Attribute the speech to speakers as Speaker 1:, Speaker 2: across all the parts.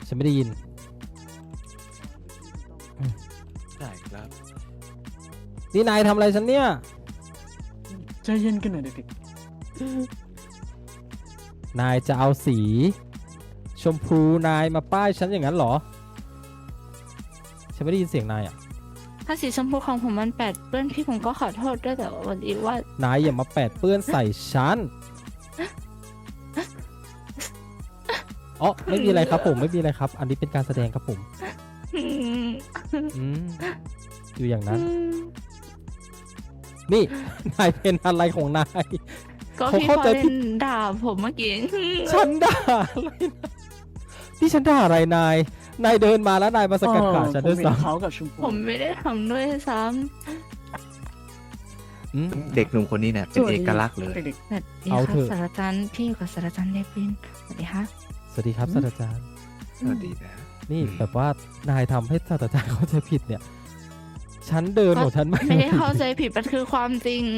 Speaker 1: ฉันไม่ได้ยิน
Speaker 2: ได้ครับ
Speaker 1: นี่นายทำอะไรฉันเนี่ย
Speaker 3: ใจเย็นกันหน่อยเด็ก
Speaker 1: นายจะเอาสีชมพูนายมาป้ายฉันอย่างนั้นเหรอฉันไม่ได้ยินเสียงนายอ่ะ
Speaker 4: ถ้าสีชมพูของผมมันแปดเปื้อนพี่ผมก็ขอโทษด้วยแต่วันนี้ว่าน
Speaker 1: ายอย่ามาแปดเปื้อนใส่ฉันอ๋อไม่มีอะไรครับผมไม่มีอะไรครับ อันนี้เป็นการแสดงครับผมอืมอยู่อย่างนั้น นี่ นายเป็นอะไรของนาย
Speaker 4: ก็
Speaker 1: เขา
Speaker 4: พี่
Speaker 1: เข้า
Speaker 4: พอ
Speaker 1: ใจผิ
Speaker 4: เล่
Speaker 1: ด
Speaker 4: นด่าผมเมื่อกี้
Speaker 1: ฉันด่าอะไรนะนี่ฉันด่าอะไรนายเดินมาแล้วนายมา
Speaker 3: ๆ
Speaker 1: สกัดขาฉันด้วย
Speaker 3: ผมเห็
Speaker 1: ซ้
Speaker 3: เขากับชมพู
Speaker 4: ผมไม่ได้ทำด้วยซ้
Speaker 1: ำอืม
Speaker 2: เด็กหนุ่มคนนี้เนี่ยเป็นเอกลักษณ์เลย
Speaker 3: เด็ก
Speaker 4: ำสวัสดี
Speaker 1: เอา
Speaker 4: ค
Speaker 1: เถ
Speaker 4: รับ
Speaker 1: อะ
Speaker 4: ศาสตราจารย์พี่อยู่กับศาสตราจารย์เดวินสวัสดีครับ
Speaker 1: สวัสดีครับศาสตราจารย์
Speaker 2: สวัสดีนะ
Speaker 1: นี่
Speaker 2: อืม
Speaker 1: แบบว่านายทำให้ศาสตราจารย์เข้าใจผิดเนี่ย ฉันเดินของฉัน
Speaker 4: ไม่ได้เข้าใจผิดมันคือความจริง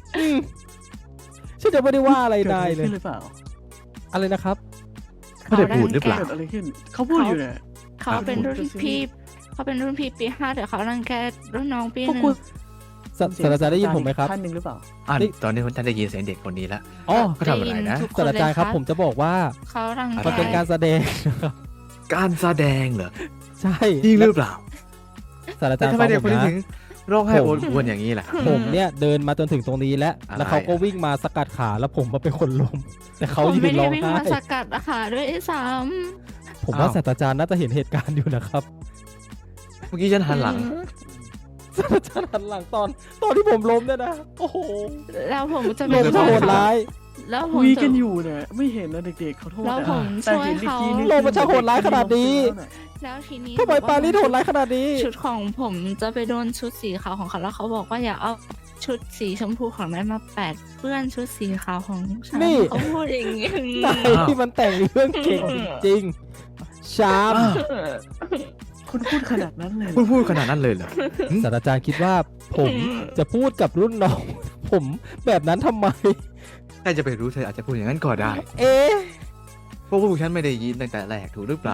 Speaker 1: ฉันจะไม่ได้ว่าอะไร
Speaker 3: ๆเกิด
Speaker 1: นา
Speaker 3: อะ
Speaker 1: ย
Speaker 3: ไร
Speaker 1: เลย
Speaker 3: ขึ้นหรือเปล่า
Speaker 1: อะไรนะครับ
Speaker 2: ไม่ได้พูดหรือเปล่า
Speaker 3: เกิดอะไรขึ้นเขาพูดอยู่เนี่ย
Speaker 4: เขาเป็นรุ่นพี่เขาเป็นรุ่นพี่ปี5แต่เขารังแกรุ่นน้องปี
Speaker 3: พวก
Speaker 4: หนึ่
Speaker 3: คุ
Speaker 4: ง
Speaker 3: ณ
Speaker 1: ศาสตราจารย์ได้ยินผมไหมครับ
Speaker 3: ท่านหนึ่งหรือเปล่า
Speaker 1: นี่
Speaker 2: ตอนนี้ท่านได้ยินเสียงเด็กคนนี้แล้ว
Speaker 1: อ๋อ
Speaker 2: เขาทำอะไรนะ
Speaker 4: ทุกค
Speaker 1: ศาสตราจารย์ครับ
Speaker 4: เลย
Speaker 1: ผมจะบอกว่า
Speaker 4: เขารังแก
Speaker 1: มันเป็นการแสดงนะครับ
Speaker 2: การแสดงเหรอ
Speaker 1: ใช่
Speaker 2: จริงหรือเปล่า
Speaker 1: ศาสตราจา
Speaker 2: แต่
Speaker 1: รย์
Speaker 2: ทำไม
Speaker 1: ฟัง
Speaker 2: เด็ก
Speaker 1: ผ
Speaker 2: คน
Speaker 1: ม
Speaker 2: นี้
Speaker 1: นะ
Speaker 2: ถึงร้องไห้
Speaker 1: ผ
Speaker 2: โอ
Speaker 1: ม
Speaker 2: ดอวนอย่างนี้ล่ะ
Speaker 1: ผมเนี่ยเดินมาจนถึงตรงนี้แล้ว
Speaker 2: อะไร
Speaker 1: แล้วเขาก็วิ่งมาสกัดขาแล้วผมมาเป็นคนล้มแต่เขา
Speaker 4: ผม
Speaker 1: ยื
Speaker 4: ไม่
Speaker 1: น
Speaker 4: ได้
Speaker 1: ร้อง
Speaker 4: วิ่ง
Speaker 1: ไห้
Speaker 4: มาสกัดอาหารด้วยซ้
Speaker 1: ผมว่าศาสตราจารย์น่าจะเห็นเหตุการณ์อยู่นะครับ
Speaker 2: เมื่อกี้ฉัน
Speaker 4: ำ
Speaker 2: หันหลัง
Speaker 1: ศาสตราจารย์หันหลังตอนที่ผมล้มเนี่ยนะโอ้โห
Speaker 4: แล้วผมจะ
Speaker 1: ล
Speaker 4: ไป
Speaker 1: มจะโหดร้าย
Speaker 4: แล้วผม
Speaker 3: คุย
Speaker 4: จะ
Speaker 3: กันอยู่เนี่ยไม่เห็นนะเด็กๆขอโทษ
Speaker 4: แล้ว
Speaker 3: นะ
Speaker 4: ผม
Speaker 3: แต่
Speaker 4: ช่วย
Speaker 3: เห็นอีก
Speaker 4: เขา
Speaker 3: ทีนึง
Speaker 1: โลกมันจะโหดร้ายขนาดนี้
Speaker 4: แล้วทีนี้
Speaker 1: ทำไมปารีสโหดร้ายขนาดนี้
Speaker 4: ชุดของผมจะไปโดนชุดสีขาวของเขาแล้วเขาบอกว่าอย่าเอาชุดสีชมพูของนายมาแปดเปื้อนชุดสีขาวของฉัน
Speaker 1: นี่
Speaker 4: เขาพูดอย่างนี้
Speaker 1: นายที่มันแต่งเรื่องเก่งจริงๆชาม
Speaker 2: อ้าว
Speaker 3: คุณพูดขนาดนั้นเลยเหร
Speaker 2: คุ
Speaker 3: อ
Speaker 2: ณพูดขนาดนั้นเลยเหรอ
Speaker 1: ศาสตราจารย์คิดว่าผมจะพูดกับรุ่นน้อง ผมแบบนั้นทำไม
Speaker 2: ใครจะไปรู้เธออาจจะพูดอย่างนั้นก็ได้
Speaker 1: เอ๊ะ
Speaker 2: เพราะพวกฉันไม่ได้ยินตั้งแต่แรกถูกหรือเปล่า